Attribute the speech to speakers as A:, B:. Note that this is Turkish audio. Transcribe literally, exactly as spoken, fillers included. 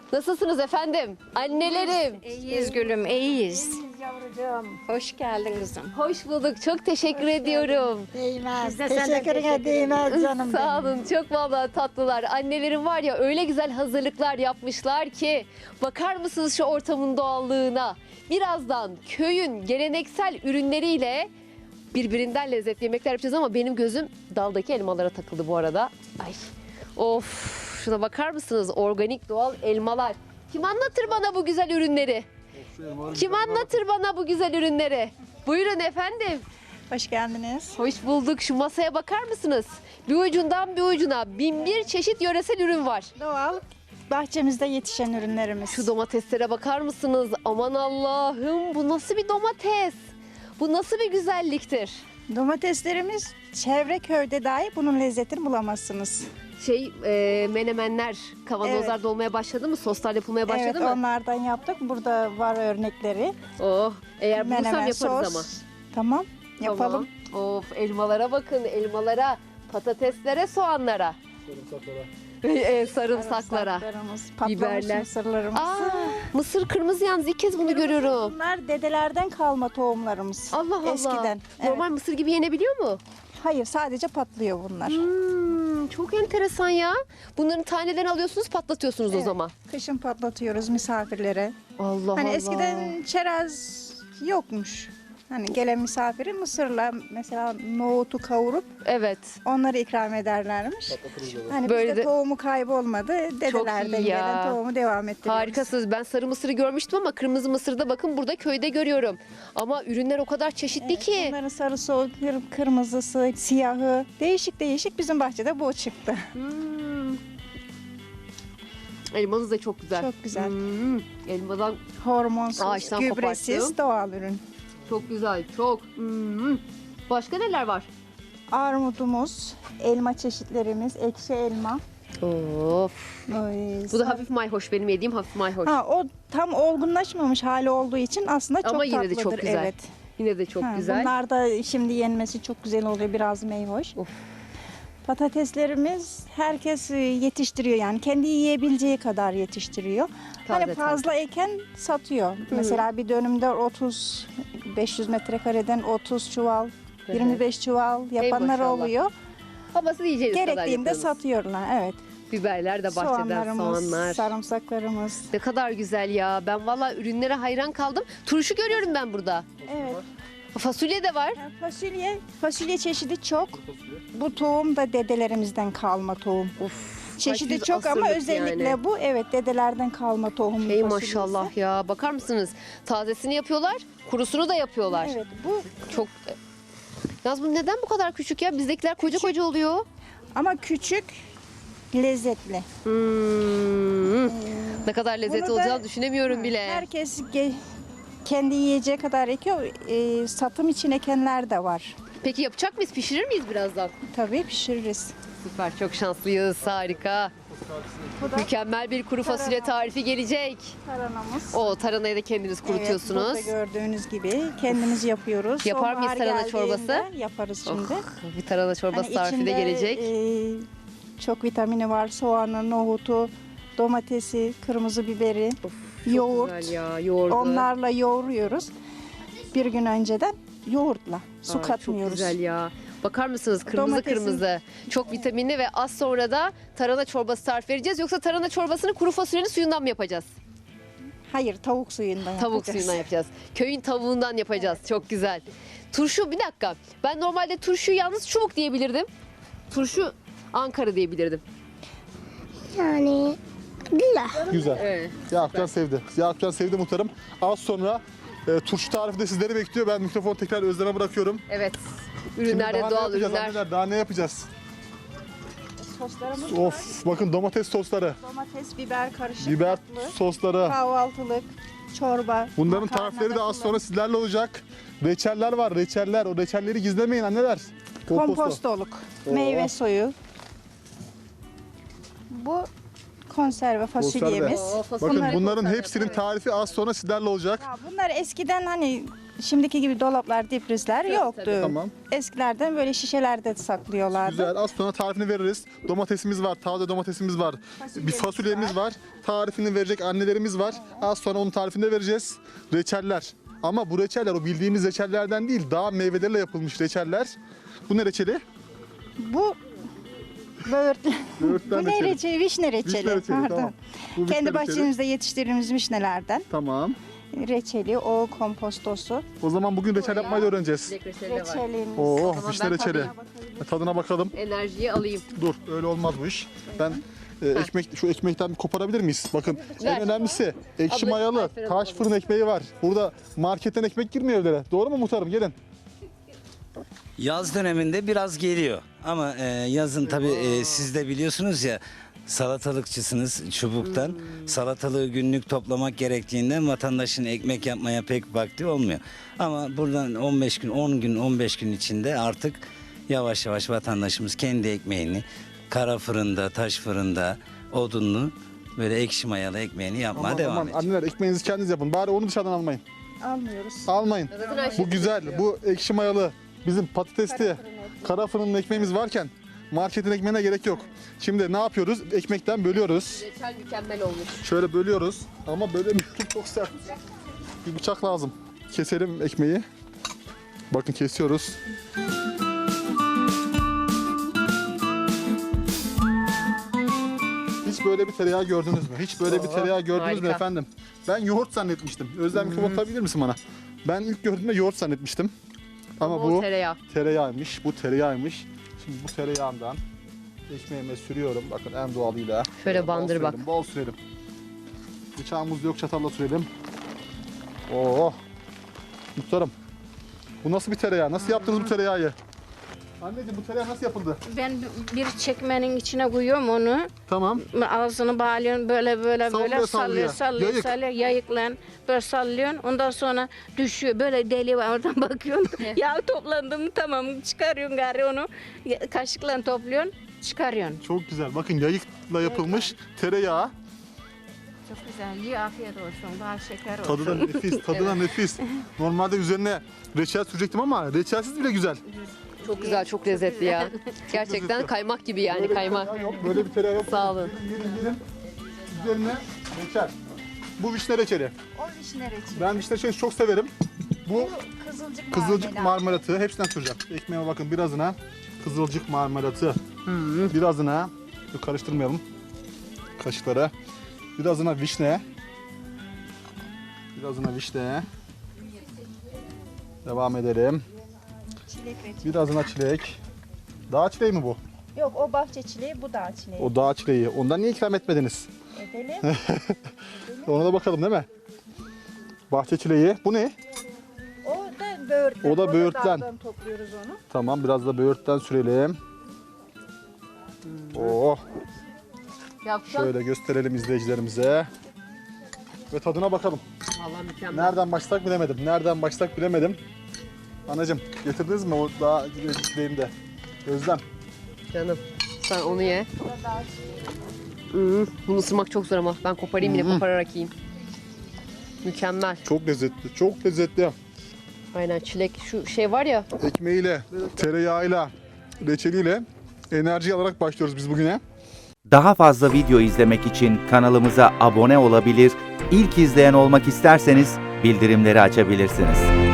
A: Nasılsınız efendim? Annelerim.
B: İyiyiz gülüm, iyiyiz.
C: Yavrucuğum.
B: Hoş geldin kızım.
A: Hoş bulduk. Çok teşekkür ediyorum.
C: Değmez.
B: Biz de senden
C: Teşekkürüne
B: teşekkür
C: değmez canım
A: Sağ
C: benim.
A: olun. Çok vallahi tatlılar. Annelerim var ya öyle güzel hazırlıklar yapmışlar ki. Bakar mısınız şu ortamın doğallığına? Birazdan köyün geleneksel ürünleriyle birbirinden lezzetli yemekler yapacağız ama benim gözüm daldaki elmalara takıldı bu arada. Ay. Of. Şuna bakar mısınız? Organik doğal elmalar. Kim anlatır bana bu güzel ürünleri? Kim anlatır bana bu güzel ürünleri? Buyurun efendim.
D: Hoş geldiniz.
A: Hoş bulduk. Şu masaya bakar mısınız? Bir ucundan bir ucuna bin bir çeşit yöresel ürün var.
D: Doğal bahçemizde yetişen ürünlerimiz.
A: Şu domateslere bakar mısınız? Aman Allah'ım, bu nasıl bir domates? Bu nasıl bir güzelliktir?
D: Domateslerimiz çevre köyde dahi bunun lezzetini bulamazsınız.
A: Şey e, menemenler, kavanozlar
D: Evet.
A: dolmaya başladı mı? Soslar yapılmaya başladı
D: Evet,
A: mı?
D: onlardan yaptık. Burada var örnekleri.
A: Oh, eğer bulursam
D: Menemen,
A: yaparız
D: sos.
A: ama.
D: Tamam, yapalım.
A: Tamam. Of, elmalara bakın, elmalara, patateslere, soğanlara. Sarımsaklara. E, sarımsaklara.
D: Sarımsaklarımız, patlamış
A: Biberler.
D: mısırlarımız.
A: Aa, mısır kırmızı yalnız ilk kez bunu görüyorum.
D: Bunlar dedelerden kalma tohumlarımız.
A: Allah Allah.
D: Eskiden. Evet.
A: Normal mısır gibi yenebiliyor mu?
D: Hayır, sadece patlıyor bunlar.
A: Hmm, çok enteresan ya. Bunların tanelerini alıyorsunuz, patlatıyorsunuz o
D: Evet.
A: zaman.
D: Kışın patlatıyoruz misafirlere.
A: Allah
D: Hani
A: Allah.
D: eskiden çerez yokmuş. Hani gelen misafiri mısırla mesela nohutu kavurup
A: Evet.
D: onları ikram ederlermiş. Hani
A: Böyle
D: bizde
A: de-
D: tohumu kaybolmadı. Dedelerden
A: iyi ya.
D: gelen tohumu devam ettiriyoruz.
A: Harikasınız. Ben sarı mısırı görmüştüm ama kırmızı mısırı da bakın burada köyde görüyorum. Ama ürünler o kadar çeşitli ki.
D: Bunların sarısı, o kır- kırmızısı, siyahı değişik değişik bizim bahçede bu çıktı.
A: Hmm. Elmanız da çok güzel.
D: Çok güzel.
A: Hmm. Elmadan
D: Hormonsuz,
A: Ağaçtan
D: gübresiz,
A: koparttım.
D: doğal ürün.
A: çok güzel. Çok. Hmm. Başka neler var?
D: Armudumuz, elma çeşitlerimiz, ekşi elma.
A: Of.
D: Ay,
A: Bu da
D: sar-
A: hafif mayhoş. Benim yediğim hafif mayhoş.
D: Ha, o tam olgunlaşmamış hali olduğu için aslında çok
A: Ama yine de
D: tatlıdır.
A: çok güzel.
D: Evet.
A: Yine de çok
D: Ha,
A: güzel.
D: Bunlar da şimdi yenmesi çok güzel oluyor, biraz meyhoş.
A: Of.
D: Patateslerimiz herkes e, yetiştiriyor, yani kendi yiyebileceği kadar yetiştiriyor.
A: Taze,
D: hani fazla eken satıyor. Mesela bir dönümde otuz beş yüz metrekareden otuz çuval,
A: hı.
D: yirmi beş çuval yapanlar
A: maşallah.
D: oluyor.
A: Havası yiyeceğiniz kadar
D: Gerektiğinde
A: yapıyorsunuz.
D: satıyorlar. Evet.
A: Biberler de bahçeden,
D: Soğanlarımız,
A: soğanlar.
D: sarımsaklarımız.
A: Ne kadar güzel ya. Ben valla ürünlere hayran kaldım. Turşu görüyorum ben burada.
D: Evet.
A: Fasulye de var.
D: Yani fasulye, fasulye çeşidi çok. Bu tohum da dedelerimizden kalma tohum.
A: Of.
D: Çeşidi
A: kaç yüz
D: çok ama
A: asırlık
D: özellikle
A: yani.
D: bu evet dedelerden kalma tohum.
A: Ey
D: fasulyesi.
A: maşallah ya. Bakar mısınız? Tazesini yapıyorlar, kurusunu da yapıyorlar.
D: Evet, bu
A: Çok. Yalnız bu neden bu kadar küçük ya? Bizdekiler koca koca oluyor.
D: ama küçük, lezzetli.
A: Hmm. Ne kadar lezzetli
D: Bunu da-
A: olacağını düşünemiyorum bile.
D: Herkes ge- kendi yiyeceği kadar ekiyor. Ee, satım için ekenler de var.
A: Peki yapacak mıyız? Pişirir miyiz birazdan?
D: Tabii pişiririz.
A: Süper, çok şanslıyız. Harika.
D: Bu da
A: Mükemmel bir kuru fasulye
D: Tarhana.
A: tarifi gelecek.
D: taranamız.
A: O taranayı da kendiniz kurutuyorsunuz.
D: Evet, burada gördüğünüz gibi kendimiz yapıyoruz.
A: Yapar mıyız
D: Sonbahar
A: tarhana
D: geldiğinde
A: çorbası?
D: Yaparız şimdi.
A: Oh, bir tarhana çorbası
D: Hani
A: tarifi de
D: içinde,
A: gelecek.
D: e, çok vitamini var. Soğanı, nohutu, domatesi, kırmızı biberi,
A: Of,
D: yoğurt.
A: Güzel ya, yoğurdu.
D: Onlarla yoğuruyoruz. Bir gün önceden yoğurtla. Su
A: Ay,
D: katmıyoruz.
A: Çok güzel ya. Bakar mısınız kırmızı
D: Domatesin-
A: kırmızı. Çok vitaminli ve az sonra da tarhana çorbası tarif vereceğiz. Yoksa tarhana çorbasını kuru fasulyenin suyundan mı yapacağız?
D: Hayır, tavuk suyundan
A: Tavuk
D: yapacağız.
A: suyundan yapacağız. Köyün tavuğundan yapacağız. Çok güzel. Turşu bir dakika. Ben normalde turşuyu yalnız çubuk diyebilirdim. Turşu Ankara diyebilirdim.
C: Yani güzel.
E: Güzel.
A: Evet.
E: Yakupcan sevdi. Yakupcan sevdi muhtarım. Az sonra e, turşu tarifi de sizleri bekliyor. Ben mikrofonu tekrar Özlem'e bırakıyorum.
A: Evet.
E: Şimdi
A: Ürünler de
E: daha ne
A: doğal
E: yapacağız
A: ürünler.
E: anneler? Daha ne yapacağız?
D: Soslarımız var.
E: Of bakın domates sosları,
D: Domates, biber karışık
E: biber
D: tatlı,
E: sosları.
D: kahvaltılık, çorba.
E: Bunların
D: makarna
E: tarifleri de az
D: da
E: sonra sizlerle olacak. Reçeller var, reçeller. O reçelleri gizlemeyin anneler. Komposto.
D: kompostoluk,
E: Oo.
D: meyve suyu. Bu konserve fasulyemiz.
A: Oo, fasulye.
E: Bakın
D: Bunları
E: bunların
A: konserve,
E: hepsinin
A: evet.
E: tarifi az sonra sizlerle olacak.
D: Ya bunlar eskiden hani şimdiki gibi dolaplar, diprizler yoktu.
E: Tamam.
D: Eskilerden böyle şişelerde saklıyorlardı.
E: Güzel. Az sonra tarifini veririz. Domatesimiz var, taze domatesimiz var. Bir fasulyemiz var. Tarifini verecek annelerimiz var. Az sonra onun tarifini de vereceğiz. Reçeller. Ama bu reçeller o bildiğimiz reçellerden değil, daha meyvelerle yapılmış reçeller. Bu ne reçeli?
D: Bu böğürtlen.
E: Böğürtlen
D: Bu ne
E: reçeli.
D: reçeli? Vişne reçeli.
E: Vişne reçeli,
D: Pardon.
E: tamam. Bu vişne
D: Kendi
E: reçeli.
D: bahçemizde yetiştirdiğimiz vişnelerden.
E: Tamam.
D: Reçeli, o kompostosu.
E: O zaman bugün reçel yapmayı da öğreneceğiz.
A: Çilek reçeli de var.
D: Reçelimiz.
E: Oo,
A: zaman
E: vişne
A: ben
E: reçeli.
A: tadına
E: Tadına bakalım.
A: Enerjiyi alayım.
E: Dur, öyle olmaz bu iş. Ben e, ekmek şu ekmekten bir koparabilir miyiz? Bakın
A: Ver.
E: en önemlisi ekşi
A: Abla,
E: mayalı
A: Ayfer'e
E: taş
A: bakalım.
E: fırın ekmeği var. Burada marketten ekmek girmiyor evlere. Doğru mu muhtarım? Gelin.
F: Yaz döneminde biraz geliyor ama e, yazın tabii e, siz de biliyorsunuz ya salatalıkçısınız çubuktan. Salatalığı günlük toplamak gerektiğinden vatandaşın ekmek yapmaya pek vakti olmuyor. Ama buradan on beş gün, on gün, on beş gün içinde artık yavaş yavaş vatandaşımız kendi ekmeğini kara fırında, taş fırında, odunlu böyle ekşi mayalı ekmeğini yapmaya
E: Aman,
F: devam
E: aman,
F: edecek.
E: anneler ekmeğinizi kendiniz yapın. Bari onu dışarıdan almayın.
D: Almıyoruz.
E: Almayın.
A: Zaten her şey
E: Bu güzel. Bu ekşi mayalı bizim patatesli kara fırının ekmeğimiz varken marketin ekmeğine gerek yok. Şimdi ne yapıyoruz? Ekmekten bölüyoruz.
A: Reçel mükemmel olmuş.
E: Şöyle bölüyoruz ama bölemiyorum, çok sert. Bir bıçak lazım. Keselim ekmeği. Bakın kesiyoruz. Hiç böyle bir tereyağı gördünüz mü? Hiç böyle bir tereyağı gördünüz mü
A: harika.
E: efendim? Ben yoğurt zannetmiştim. Özlem mikrofon tutabilir misin bana? Ben ilk gördüğümde yoğurt zannetmiştim. Ama
A: Ama o
E: bu
A: tereyağı.
E: tereyağıymış. Bu tereyağıymış. Şimdi bu tereyağından ekmeğime sürüyorum. Bakın en doğalıyla.
A: Şöyle
E: Bol
A: bandır bak.
E: sürelim, Bol sürelim. Bıçağımız yok, çatalla sürelim. Oo. Muhtarım. Bu nasıl bir tereyağı? Nasıl yaptınız bu tereyağıyı? Anneciğim bu tereyağı nasıl yapıldı?
B: Ben bir çekmenin içine koyuyorum onu.
E: Tamam.
B: Ağzını bağlıyorsun böyle böyle
E: Sallıyor,
B: böyle
E: sallıyor.
B: sallıyor sallıyor
E: Yayık.
B: sallıyor yayıkla böyle sallıyorsun. Ondan sonra düşüyor böyle deli var oradan bakıyorsun. Yağ toplandı mı tamam çıkarıyorsun gari onu kaşıkla topluyorsun çıkarıyorsun.
E: Çok güzel. Bakın yayıkla yapılmış tereyağı.
B: Çok güzel. İyi afiyet olsun. Bal şeker olsun.
E: Tadı da nefis, tadı da nefis. Normalde üzerine reçel sürecektim ama reçelsiz bile güzel.
A: Çok güzel, çok lezzetli ya. Gerçekten
E: lezzetli.
A: kaymak gibi yani
E: Böyle bir
A: kaymak.
E: tereyağı yok, böyle bir tereyağı yok.
A: Sağ olun.
E: Gelin gelin. Üzerine reçel. Bu vişne reçeli.
D: O vişne reçeli.
E: Ben vişne reçelini çok severim. Bu
D: Kızılcık,
E: kızılcık
D: marmelat.
E: marmelatı. Hepsinden süreceğim. Ekmeğime bakın birazına kızılcık marmelatı. Birazına, dur karıştırmayalım kaşıklara. Birazına vişne. Birazına vişne. Devam edelim.
D: Çilek reçeli.
E: Birazına çilek. Dağ çileği mi bu?
D: Yok o bahçe çileği, bu dağ çileği.
E: O dağ çileği. Ondan niye ikram etmediniz?
D: Edelim.
E: Ona da bakalım değil mi? Bahçe çileği. Bu ne?
D: O da böğürtlen.
E: O da böğürtlen.
D: dağdan topluyoruz onu.
E: Tamam biraz da böğürtten sürelim. Oh.
A: Yapsam.
E: Şöyle gösterelim izleyicilerimize. Ve tadına bakalım.
A: Vallahi mükemmel.
E: Nereden başlasak bilemedim. Nereden başlasak bilemedim. Anacığım getirdiniz mi o daha çileğini de? Özlem.
A: Canım sen onu ye. Hmm, bunu ısırmak çok zor ama ben koparayım yine kopararak yiyeyim. Mükemmel.
E: Çok lezzetli. Çok lezzetli.
A: Aynen çilek şu şey var ya.
E: Ekmeğiyle, tereyağıyla, reçeliyle enerji alarak başlıyoruz biz bugüne.
G: Daha fazla video izlemek için kanalımıza abone olabilir, ilk izleyen olmak isterseniz bildirimleri açabilirsiniz.